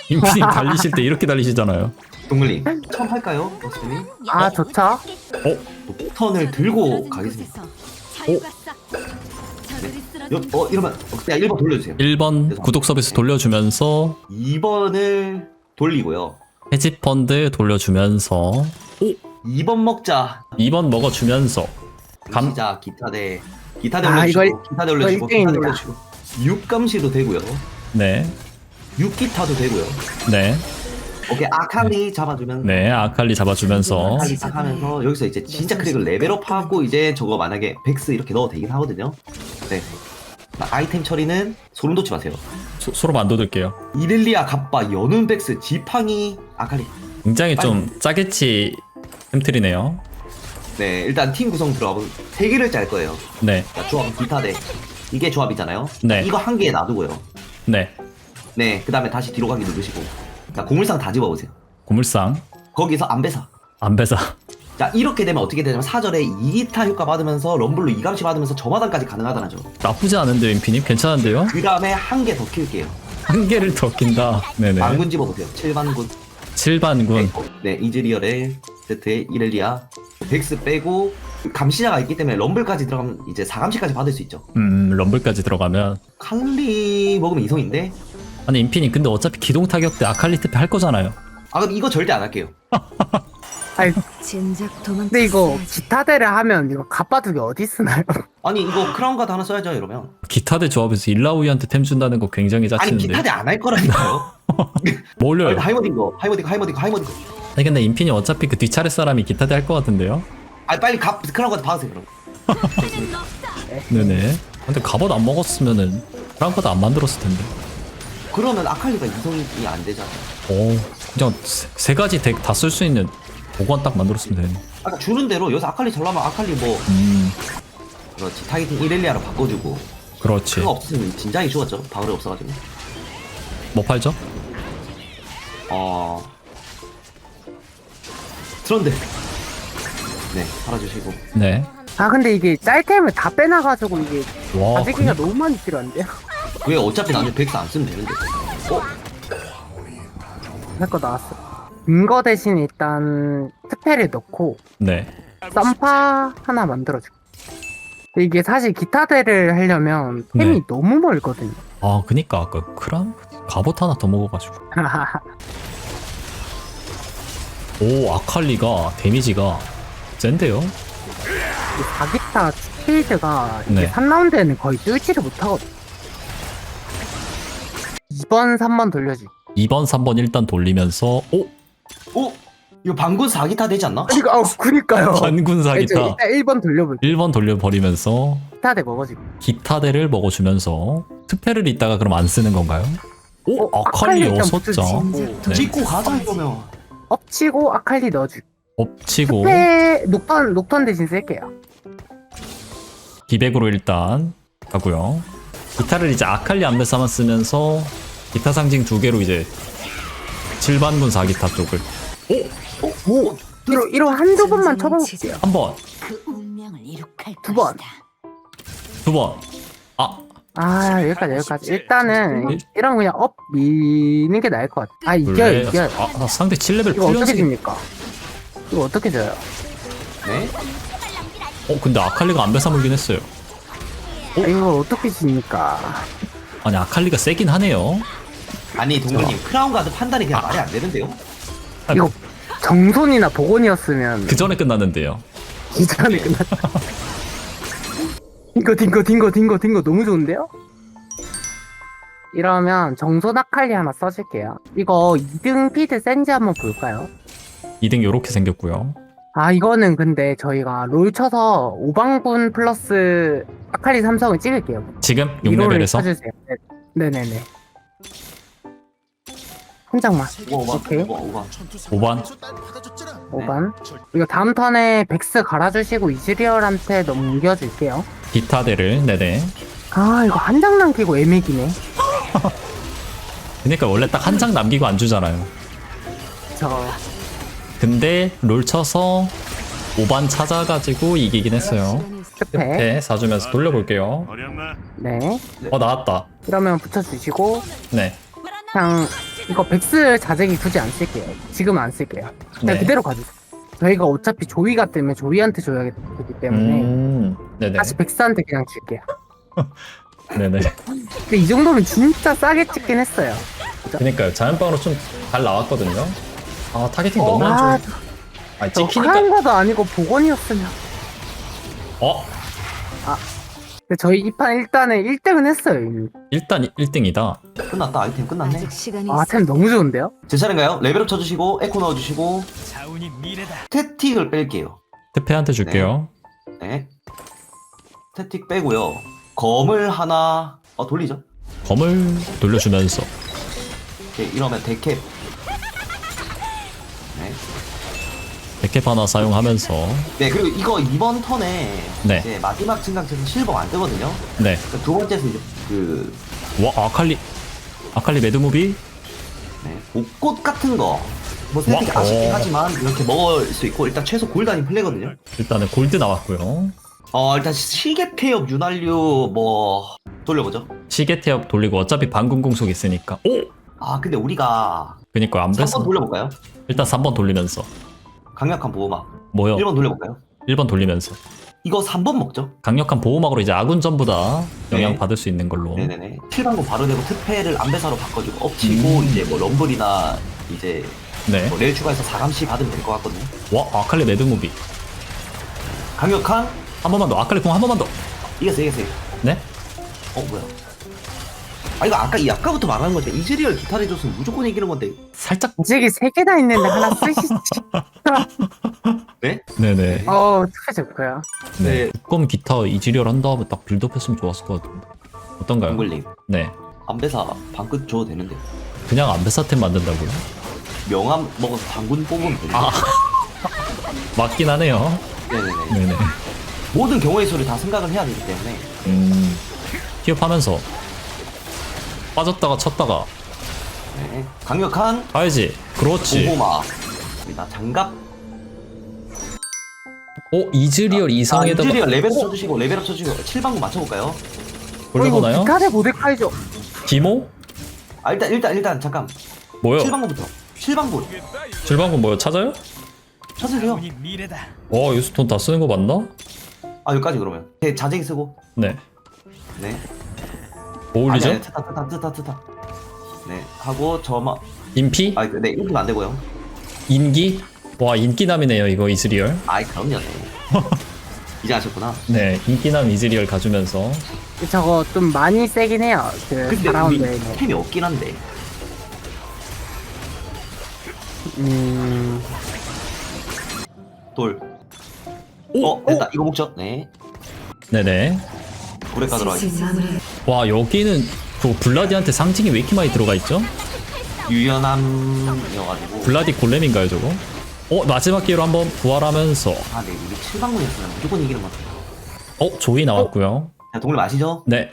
인피님 달리실 때 이렇게 달리시잖아요. 동글님 처음 할까요? 버스님? 아 좋죠. 턴을 들고 가겠습니다. 이러면 그냥 1번 돌려주세요. 1번 구독 서비스 돌려주면서 2번을 돌리고요. 해지 펀드 돌려주면서 2번 먹자. 2번 먹어주면서 시작 기타 대 아, 올려주시고 기타 대 올려주시고 기타 대 1등입니다. 올려주시고 6감시도 되고요. 네, 6기타도 되고요. 네, 오케이 아칼리 잡아주면 네 아칼리 잡아주면서 아칼리 딱 하면서 여기서 이제 진짜 크릭을 레벨업하고 이제 저거 만약에 백스 이렇게 넣어도 되긴 하거든요. 네. 아이템 처리는 소름 돋지 마세요. 소름 안 돋을게요. 이렐리아 갑바 연운 백스 지팡이 아칼리. 굉장히 좀 짜게치 햄틀이네요. 네 일단 팀 구성 들어가고 3개를 짤 거예요. 네, 자, 조합은 기타 대 이게 조합이잖아요. 네. 이거 한 개에 놔두고요. 네, 네, 그 다음에 다시 뒤로 가기 누르시고. 자, 고물상 다 집어보세요. 고물상 거기서 안배사. 안배사. 자, 이렇게 되면 어떻게 되냐면 사절에 2기타 효과 받으면서 럼블로 2감시 받으면서 저마당까지 가능하다는 점. 나쁘지 않은데요, 인피님? 괜찮은데요? 그 다음에 한 개 더 킬게요. 한 개를 더 낀다. 네네. 만군 집어보세요. 7반군. 7반군. 네, 이즈리얼의 세트에 이렐리아. 백스 빼고 감시자가 있기 때문에 럼블까지 들어가면 이제 4감시까지 받을 수 있죠. 럼블까지 들어가면. 칼리 먹으면 이성인데? 아니, 인피님, 근데 어차피 기동 타격 때 아칼리 특패 할 거잖아요. 아, 그럼 이거 절대 안 할게요. 아니 진작 도망. 근데 이거 기타대를 하면 이거 갑바둑이 어디 쓰나요? 아니, 이거 크라운 가드 하나 써야죠, 이러면. 기타대 조합에서 일라우이한테 템 준다는 거 굉장히 아니, 짜치는데. 기타대 안 할 거라니까요. 뭐 올려요? 하이머딩거. 아니, 근데 인피님 어차피 그 뒷차례 사람이 기타대 할 것 같은데요? 아, 빨리 크라운 가드 받으세요, 그럼. 네네. 근데 갑옷 안 먹었으면은 프랑코도 안 만들었을 텐데. 그러면 아칼리가 이성이 안 되잖아. 오, 그냥 세 가지 덱 다 쓸 수 있는 보관 딱 만들었으면 되네. 아까 주는 대로 여기서 아칼리 잘라면 아칼리 뭐 그렇지 타겟팅 이렐리아로 바꿔주고 그렇지. 그거 없었으면 진작에 죽었죠. 바울이 없어가지고. 뭐 팔죠? 트런드. 네 팔아주시고. 네. 아 근데 이게 짤템을 다 빼놔가지고 이게 와, 가지기가 너무 많이 필요한데요? 왜 어차피 나중에 백스 안 쓰면 되는데. 할 거 나왔어. 인거 대신 일단 특패를 넣고 네. 쌈파 하나 만들어줄게. 이게 사실 기타대를 하려면 템이 네. 너무 멀거든요. 아, 그니까 아까 크람 갑옷 하나 더 먹어가지고. 오, 아칼리가 데미지가 센데요? 이 4기타 스피드가 이게 네. 3라운드에는 거의 뚫지를 못하거든. 2번, 3번 돌려주기. 2번, 3번 일단 돌리면서 오! 이거 방군 4기타 되지 않나? 그니까요. 반군 이제 사기타. 일단 1번 돌려볼게. 1번 돌려버리면서 기타대 먹어주기. 기타대를 먹어주면서 특패를 이따가 그럼 안 쓰는 건가요? 오! 아칼리 아칼리 일단 6장. 붙여주지. 네. 찍고 가자 이러면. 엎치고 아칼리 넣어주기. 엎치고 특패 녹턴 대신 쓸게요. 기백으로 일단 가고요. 기타를 이제 아칼리 안배사만 쓰면서 기타 상징 2개로 이제 7반군 4기타 쪽을 오! 이로 한두 번만 쳐볼게요. 한 번, 그 운명을 이룩할 두 번. 것이다. 2번. 아, 여기까지. 일단은 이런 그냥 업 미는 게 나을 것 같아. 아, 이겨요. 아, 상대 7레벨 이거 어떻게 풀렸지. 집니까? 이거 어떻게 져요? 네? 근데 아칼리가 안배사 물긴 했어요. 아, 이거 어떻게 집니까? 아니, 아칼리가 세긴 하네요. 아니 동글님 크라운 가드 판단이 그냥 말이 안 되는데요? 이거 정손이나 복원이었으면 그 전에 끝났는데요. 이전에 끝났다. 딩거 너무 좋은데요? 이러면 정손 아칼리 하나 써줄게요. 이거 2등 피드 센지 한번 볼까요? 2등 요렇게 생겼고요. 아 이거는 근데 저희가 롤 쳐서 5방분 플러스 아칼리 삼성을 찍을게요. 지금 이거를 6레벨에서 쳐주세요. 네네네. 한 장만. 오케이. 5반. 5반. 이거 다음 턴에 백스 갈아주시고 이즈리얼한테 넘겨줄게요. 기타대를. 네네. 아 이거 한 장 남기고 애매기네. 그러니까 원래 딱 한 장 남기고 안 주잖아요. 저 근데 롤 쳐서 5반 찾아가지고 이기긴 했어요. 스페. 네, 사주면서 돌려볼게요. 네. 나왔다. 이러면 붙여주시고 네. 그냥 이거 백스 자재기 굳이 안 쓸게요. 지금은 안 쓸게요. 그냥 네. 그대로 가주세요. 저희가 어차피 조이가 뜨면 조이한테 줘야 되기 때문에 네네. 다시 백스한테 그냥 줄게요. 네네. 근데 이 정도면 진짜 싸게 찍긴 했어요. 그니까요. 자연빵으로 좀 잘 나왔거든요. 아, 타겟팅 너무 안 아, 좋아. 아니, 저 찍히니까. 하는 것도 아니고 복원이었으면. 어? 근데 저희 이 판 일단은 1등은 했어요. 이미. 일단 1등이다. 끝났다. 아이템 끝났네. 아직 시간이 아, 있어. 템 너무 좋은데요? 제 차례인가요? 레벨업 쳐주시고 에코 넣어주시고 스태틱을 뺄게요. 태페한테 줄게요. 네. 스태틱 빼고요. 검을 하나 돌리죠. 검을 돌려주면서. 오케이, 이러면 데캡. 네. 백캡 하나 사용하면서. 네, 그리고 이거 이번 턴에 네. 이제 마지막 증강체에서 실버가 안 뜨거든요. 네. 그두 번째에서 이제 와, 아칼리 매드무비? 네, 옷꽃 같은 거. 뭐 스태틱 와, 아쉽긴 어. 하지만 이렇게 먹을 수 있고 일단 최소 골단이 플레이거든요. 일단은 골드 나왔고요. 일단 시계 태엽 윤활유 뭐 돌려보죠. 시계 태엽 돌리고 어차피 방금 공속 있으니까. 오! 근데 우리가 그니까 안 3번 뺐어. 돌려볼까요? 일단 3번 돌리면서. 강력한 보호막. 뭐요? 1번 돌려볼까요? 1번 돌리면서. 이거 3번 먹죠. 강력한 보호막으로 이제 아군 전부 다 영향 네. 받을 수 있는 걸로. 네네네. 7방금 바로 되고 특패를 안배사로 바꿔주고 엎치고 이제 뭐 럼블이나 이제 네. 뭐 레일 추가해서 4감시 받으면 될 것 같거든요. 와, 아칼리 매드무비. 강력한 한 번만 더. 아칼리 공 한 번만 더. 이겼어요. 네? 뭐야? 이거 아까부터 말하는 건데 이즈리얼 기타를 해줬으면 무조건 이기는 건데. 살짝. 무직이 3개나 있는데 하나 쓰시지. 네? 네네. 특혜 좋고요. 네. 두꺼운 기타 이지리얼 한 다음에 딱 빌드업 했으면 좋았을 것 같은데. 어떤가요? 정글님 네. 안배사 방끝 줘도 되는데 그냥 안배사템 만든다고요? 명함 먹어서 방군 뽑으면 되는데. 맞긴 하네요. 네네네. 네네. 모든 경우의 수를 다 생각을 해야 되기 때문에. 피업하면서 빠졌다가 쳤다가 네. 강력한 가야지. 그렇지. 보호막. 나 장갑. 이즈리얼 이상에다가 이즈리얼 레벨업 쳐주시고 레벨업 쳐주시고 7방구 맞춰볼까요? 올려보나요? 기타대 모데카이죠. 디모? 일단 잠깐. 뭐요? 7방구부터. 7방구 질방군 뭐요? 찾아요? 쳐주세요. 여기서 돈 다 쓰는 거 맞나? 여기까지 그러면. 자쟁이 쓰고. 네. 네. 뭐 올리죠? 아니, 트타. 네. 하고 저마. 인피? 네, 인기가 안 되고요. 인기? 와, 인기남이네요 이거 이즈리얼. 그럼요. 네. 이제 아셨구나. 네, 인기남 이즈리얼 가주면서. 저거 좀 많이 세긴 해요. 그 근데 4라운드에. 우리 템이 없긴 한데. 돌. 됐다. 이거 먹죠. 네. 네네. 불에 가도록 하겠습니다. 마무리. 와, 여기는 그 블라디한테 상징이 왜 이렇게 많이 들어가 있죠? 유연함이어가지고. 블라디 골렘인가요 저거? 마지막 기회로 한번 부활하면서. 네. 우리 7방문이었으면 무조건 이기는 것 같아요. 조이 나왔고요. 자, 동물 아시죠? 네.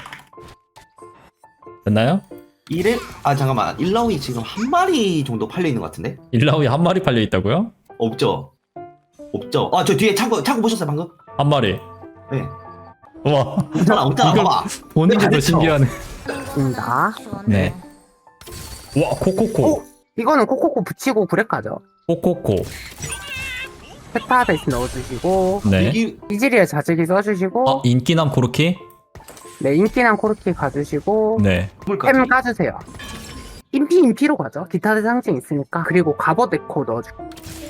됐나요? 1일? 잠깐만. 일라오이 지금 한 마리 정도 팔려있는 것 같은데? 일라우이 한 마리 팔려 있다고요? 없죠? 저 뒤에 창고 보셨어요, 방금? 한 마리. 네. 와, 없잖아, 이거 봐봐. 보는 게 더 잘했죠? 신기하네. 입니다. 네. 와, 코코코. 이거는 코코코 붙이고 구렉 가죠. 코코코. 페타 대신 넣어주시고 네. 이즈리얼 자재기 써주시고 인기남 코르키? 네 인기랑 코르키 가주시고 네. 템 까주세요. 인피로 가죠. 기타 대상징 있으니까. 그리고 갑옷 에코 넣어주고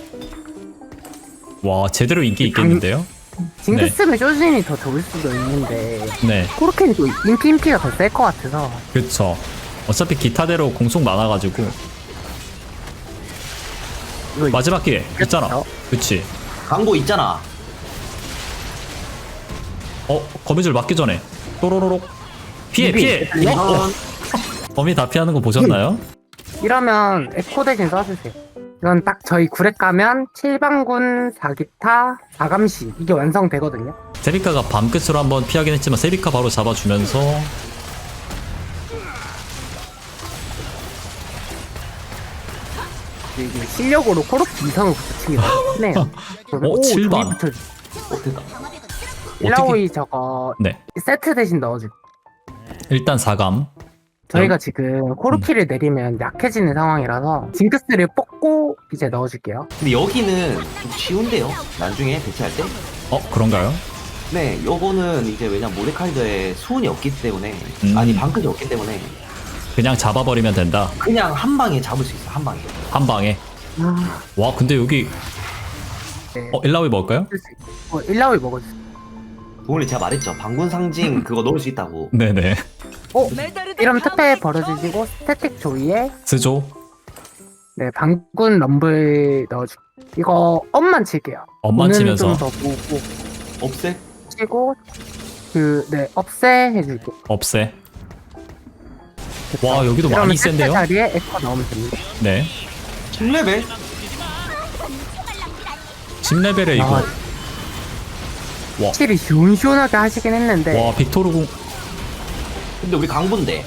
와, 제대로 인기 있겠는데요? 징크스면 쇼진이 더 좋을 수도 있는데 네. 코르키는 또 인피가 더 셀 것 같아서 그쵸. 어차피 기타대로 공속 많아가지고. 이거 마지막 기회 있잖아. 그쵸? 그치. 광고 있잖아. 거미줄 맞기 전에 또로로록 피해. 이건 거미 다 피하는 거 보셨나요? 이러면 에코 대신 써주세요. 이건 딱 저희 구렉 가면 7방군 4기타 4감시 이게 완성되거든요. 세비카가 밤 끝으로 한번 피하긴 했지만 세비카 바로 잡아주면서 이게 실력으로 코르키 이상을 붙이기가 힘네요. 오, 7반. 됐다. 일라오이 저거 네. 세트 대신 넣어줄게. 일단 4감. 저희가 지금 코르키를 내리면 약해지는 상황이라서 징크스를 뽑고 이제 넣어줄게요. 근데 여기는 좀 쉬운데요. 나중에 배치할 때. 그런가요? 네, 요거는 이제 왜냐면 모데카이저에 수은이 없기 때문에 아니 방클이 없기 때문에 그냥 잡아버리면 된다. 그냥 한 방에 잡을 수 있어. 한 방에. 한 방에. 아, 와 근데 여기 네. 일라위 먹을까요? 일라위 먹어주세요. 오늘 제가 말했죠. 방군 상징 그거 넣을 수 있다고. 네네. 이러면 특패 벌어주시고 스태틱 조이에 스조. 네 방군 럼블 넣어줄게요. 이거 엄만 칠게요. 엄만 치면서 좀더 보고 없애? 치고 네 업세 해줄게요. 없애. 됐다. 와, 여기도 이러면 많이 특패 센데요? 자리에 에코 넣으면 됩니다. 네. 10레벨? 10레벨에 이거. 아, 확실히 시원시원하게 하시긴 했는데 와 빅토르궁. 근데 우리 강분데.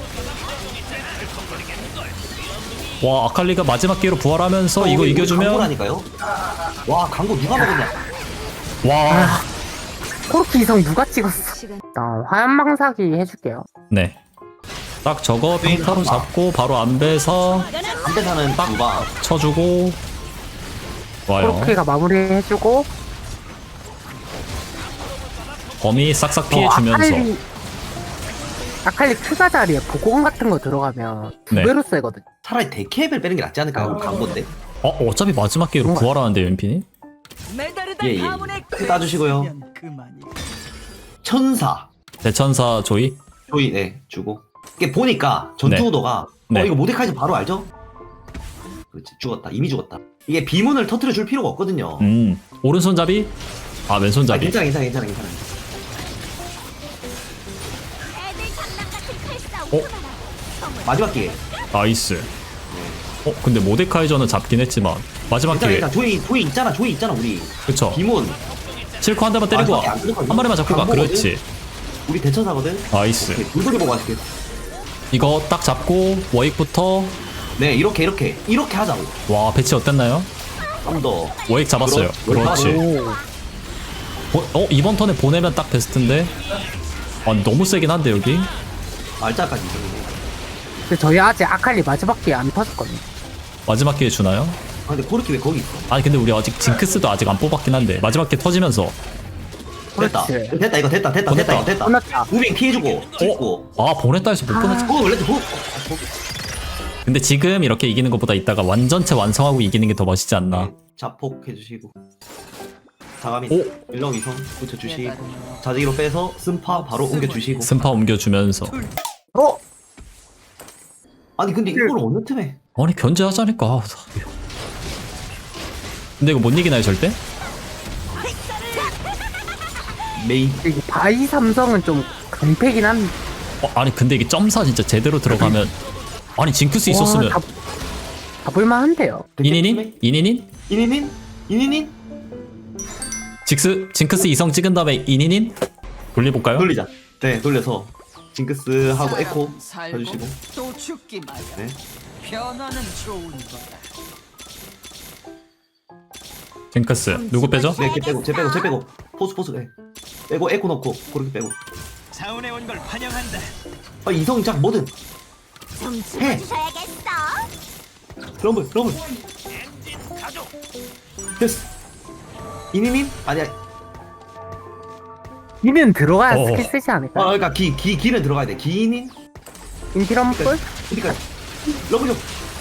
와 아칼리가 마지막 기회로 부활하면서 이거 우리 이겨주면. 강분하니까요? 와 강분 누가 먹었냐? 와. 코르키 이성 누가 찍었어? 시간 화염망사기 해줄게요. 네. 딱 저거 평타로 잡고 바로 안배서 안배사는 누가? 쳐주고. 좋아요. 코르키가 마무리해주고 범위 싹싹 피해주면서. 아칼리 큐가 자리에 보공 같은 거 들어가면 두 네. 배로 세거든. 차라리 데캡을 빼는 게 낫지 않을까요? 강분데. 어차피 마지막 기회로 뭔가- 부활하는데 웬피니? 예. 따주시고요. 천사. 대천사 조이. 조이 네 주고. 이게 보니까 전투구도가 네. 이거 모데카이저 바로 알죠? 그렇지 죽었다. 이미 죽었다. 이게 비문을 터트려 줄 필요가 없거든요. 오른손잡이. 아 왼손잡이. 괜찮아. 마지막 기회. 나이스. 근데 모데카이저는 잡긴 했지만 마지막 기회. 괜찮아. 조이 있잖아 우리. 그쵸. 비문. 실컷 한 대만 때리고 와. 마지막에 안 들어가요. 한 마리만 잡고 가. 강보거든? 그렇지. 우리 대천사거든. 나이스. 오케이, 물돌이 보고 가실게. 이거 딱 잡고 워익부터. 네 이렇게 하자고. 와 배치 어땠나요? 좀 더. 워익 잡았어요. 그렇지. 오, 이번 턴에 보내면 딱 베스트인데. 아 너무 세긴 한데 여기. 말자까지 이기네. 근데 저희 아직 아칼리 마지막 기회 안 터졌거든요. 마지막 기회 주나요? 아 근데 코르키 왜 거기 있어? 아니 근데 우리 아직 징크스도 아직 안 뽑았긴 한데 마지막 기회 터지면서. 됐다. 그렇지. 됐다 이거 됐다. 보냈다. 끝났다. 무빙 피해주고 찍고. 아 보냈다 해서 못 보냈지. 그거 원래 근데 지금 이렇게 이기는 것보다 이따가 완전체 완성하고 이기는 게 더 멋있지 않나. 자폭 해주시고. 자가미 오. 일렁 이성 붙여주시고. 자지기로 빼서 쓴파 바로 옮겨주시고. 승파 옮겨주면서. 아니 근데 이걸 어느 틈에? 아니 견제하자니까. 근데 이거 못 이기나요 절대? 메인. 이게 바이 삼성은 좀 강패긴 한데. 아니 근데 이게 점사 진짜 제대로 들어가면. 아니 징크스 있었으면. 와, 잡을만 한데요. 이니닌? 이니닌? 징크스 이성 찍은 다음에 이니닌? 돌려볼까요? 돌리자. 네 돌려서 징크스 하고 에코 해주시고. 또 죽기 마련. 네. 변화는 좋은 거다. 징크스 누구 빼죠? 네, 걔 빼고. 포스, 네. 빼고, 에코 넣고, 그렇게 빼고. 자원에 온 걸 환영한다. 아, 이성작 뭐든. 좀 해. 찍어주셔야겠어. 럼블. 됐어. 이니닌? 아니야. 이는 들어가야 어. 스킬 쓰지 않을까? 그러니까 기는 들어가야 돼. 기인? 인피럼플? 그러니까, 럼블.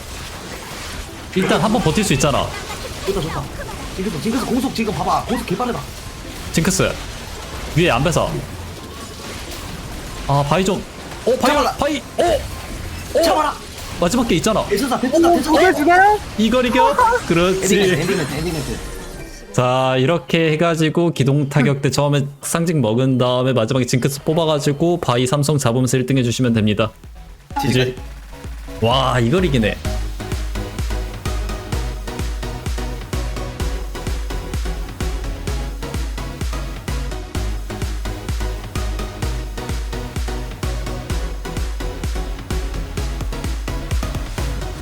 일단 한번 버틸 수 있잖아. 좋다. 징크스 공속 지금 봐봐. 공속 개빠르다. 징크스 위에 안 뺏어. 아 바이 좀. 잡아라. 바이. 잡아라. 마지막 게 있잖아. 대천사. 이겨주나요? 이걸 이겨? 그렇지. 엔딩멘트. 자 이렇게 해가지고 기동 타격 때 처음에 상징 먹은 다음에 마지막에 징크스 뽑아가지고 바이 삼성 잡으면서 1등 해주시면 됩니다. 지지. 와 이걸 이기네.